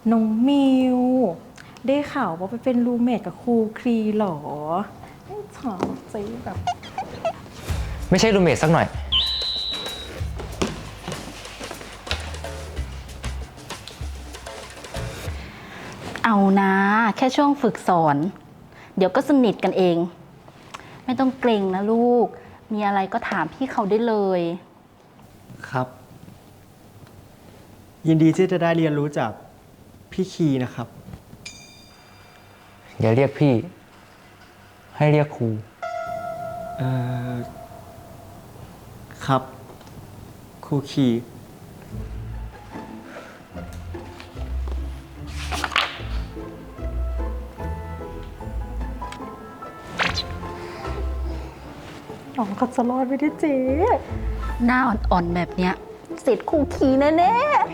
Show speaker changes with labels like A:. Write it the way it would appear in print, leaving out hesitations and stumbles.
A: น้องมิวได้ข่าวว่าไปเป็นรูเมทกับครูครีหรอไม่ถามสิแบบ
B: ไม่ใช่รูเมทสักหน่อย
C: เอานะแค่ช่วงฝึกสอน เดี๋ยวก็สนิทกันเอง ไม่ต้องเกรงนะลูก มีอะไรก็ถามพี่เขาได้เลย
D: ครับ ยินดีที่จะได้เรียนรู้จากพี่คีนะครับ
B: อย่าเรียกพี่ ให้เรียกครู
D: เอ่อ ครับ ครูคี
A: น้องเขาจะรอดไม่ได้เจ๊
C: หน้าอ่อนๆแบบเนี้ยเสร็จครูขี่แน่ๆ